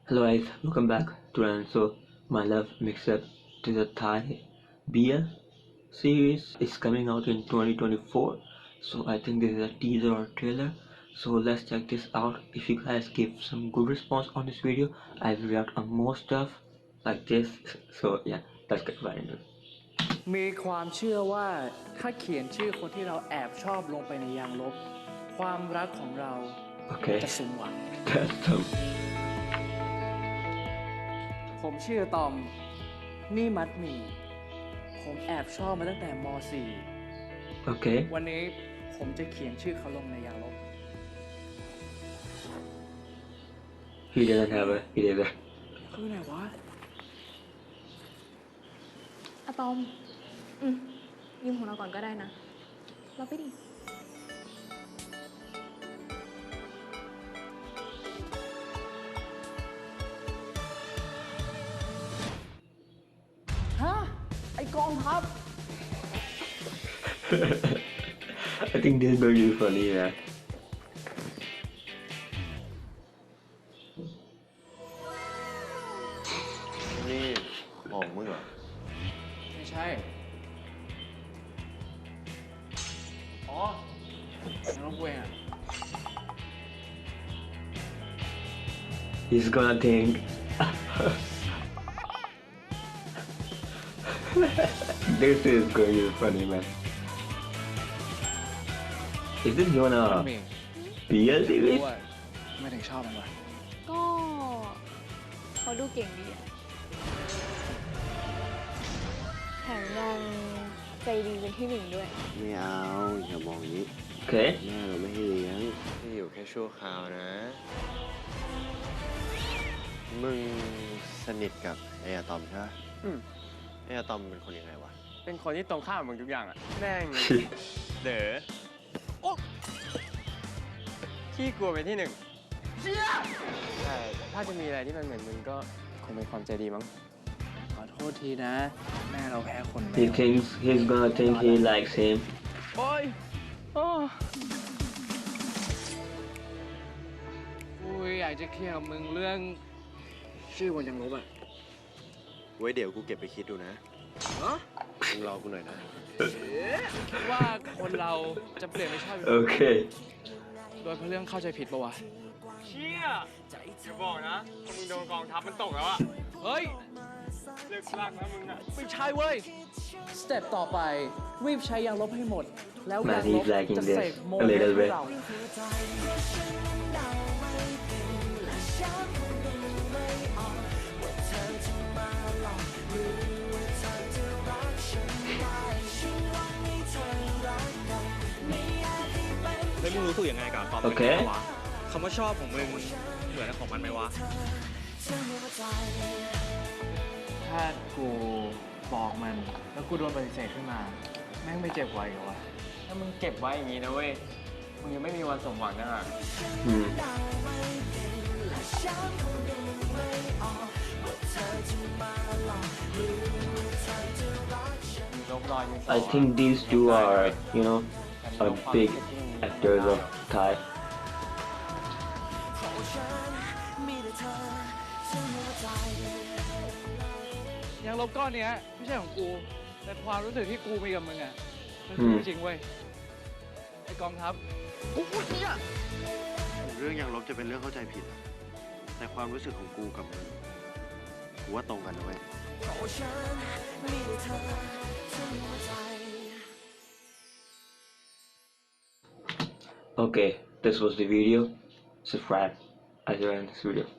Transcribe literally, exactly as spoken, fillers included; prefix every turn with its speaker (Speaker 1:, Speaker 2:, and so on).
Speaker 1: Hello guys, welcome back to an so my love mix-up to the Thai beer series is coming out in twenty twenty-four. So I think this is a teaser or trailer. So let's check this out. If you guys give some good response on this video, I will react on more stuff like this. So yeah, let's get right into it.
Speaker 2: มีความเชื่อว่าถ้าเขียนชื่อคนที่เราแอบชอบลงไปในยางลบความรักของเรา
Speaker 1: Okay,
Speaker 2: จะสมหวัง
Speaker 1: that's some
Speaker 2: ผมชื่อตอมนี่มัดหมี่ผมแอบชอบมาตั้งแต่ม .สี่
Speaker 1: okay.
Speaker 2: วันนี้ผมจะเขียนชื่อเขาลงในยางลบ
Speaker 1: He doesn't have a he doesn't.
Speaker 2: คือไหนวะ
Speaker 3: อะตอม อืมยืมของเราก่อนก็ได้นะเราไปดิ
Speaker 2: ฮะ ไอกองทัพ
Speaker 1: I think this is going to be funny, man.
Speaker 4: นี่ของมึงเหรอ
Speaker 2: ไม่ใช่ อ๋อน้องเวงอ่ะ
Speaker 1: He's gonna think. This is going to be funny, man. Is this gonna
Speaker 2: เมย์
Speaker 1: be a
Speaker 2: รู้
Speaker 1: series?
Speaker 2: ว่าไม่ถึงชอบมันวะ
Speaker 3: ก็เขาดูเก่งดีอะแถมยังใจดีเป็นที่หนึ่งด้วย
Speaker 4: ไม่เอาอย่ามองอย่างนี้
Speaker 1: Okay.
Speaker 4: แม่เราไม่ให้เลี้ยงที่อยู่แค่ชั่วคราวนะ มึงสนิทกับไอ้อะตอมใช่ไหม
Speaker 5: อืม
Speaker 4: ไอ้อะตอมเป็นคนยังไงวะ
Speaker 5: เป็นคนที่ตรงข้ามกับมึงทุกอย่างอะแม่ง เด๋อโอ๊ะขี้กลัวเป็นที่หนึ่งใช่ถ้าจะมีอะไรที่มันเหมือนมึงก็คงเป็นความใจดีมั้ง
Speaker 2: ขอโทษทีนะ แม่เราแพ้คนแม
Speaker 1: He
Speaker 2: ว
Speaker 1: thinks he's gonna think he likes him.
Speaker 5: โอ๊ยโอ้
Speaker 2: กูอยากจะเคลียร์กับมึงเรื่อง ชื่อบนยังลบอ่ะ
Speaker 4: ไว้เดี๋ยวกูเก็บไปคิดดูนะมึงรอกูหน่อยนะ
Speaker 2: คิดว่าคนเราจะเปลี่ยนไม่ชอบ
Speaker 1: Okay.
Speaker 2: โดยเพราะเรื่องเข้าใจผิดปะวะ
Speaker 5: เชี่ยจะบอกนะถ้ามึงโดนกองทัพมันตกแล้วอะ
Speaker 2: เฮ้ย
Speaker 5: เลิกลากนะมึงอะ
Speaker 2: ไม่ใช่เว้ย สเต็ปต่อไป รีบใช้ยางลบให้หมด แล้ว
Speaker 1: Man,
Speaker 2: ยางล
Speaker 1: he's
Speaker 2: บ
Speaker 1: liking
Speaker 2: จะ
Speaker 1: this
Speaker 2: เสกโม
Speaker 1: a
Speaker 2: เดล
Speaker 1: little
Speaker 2: ให้
Speaker 1: bit.
Speaker 2: เรา
Speaker 6: แล้วมึงรู้สึกยังไงกับตอน
Speaker 1: โอเค
Speaker 6: วะคำว่าชอบของมึงเหมือนของมันไหมวะ
Speaker 2: ถ้ากูบอกมัน แล้วกูโดนปฏิเสธขึ้นมา แม่งไม่เจ็บไว้เหรอวะ
Speaker 5: ถ้ามึงเก็บไว้อย่างนี้นะเว้ย มึงยังไม่มีวันสมหวังนะฮะ
Speaker 1: Hmm.
Speaker 5: มีลบรอยมี
Speaker 1: I think these two are, you know, are big actors of Thai.
Speaker 2: ยางลบก้อนเนี้ยไม่ใช่ของกู แต่ความรู้สึกที่กูมีกับมึงอ่ะ มัน
Speaker 1: อื
Speaker 2: คือ
Speaker 1: ม
Speaker 2: จริงเว้ย ไอ้กองทัพ
Speaker 4: เรื่องยังลบจะเป็นเรื่องเข้าใจผิด แต่ความรู้สึกของกูกับมึงกูว่าตรงกันนะเว้ย
Speaker 1: Okay, this was the video. Subscribe as you end this video.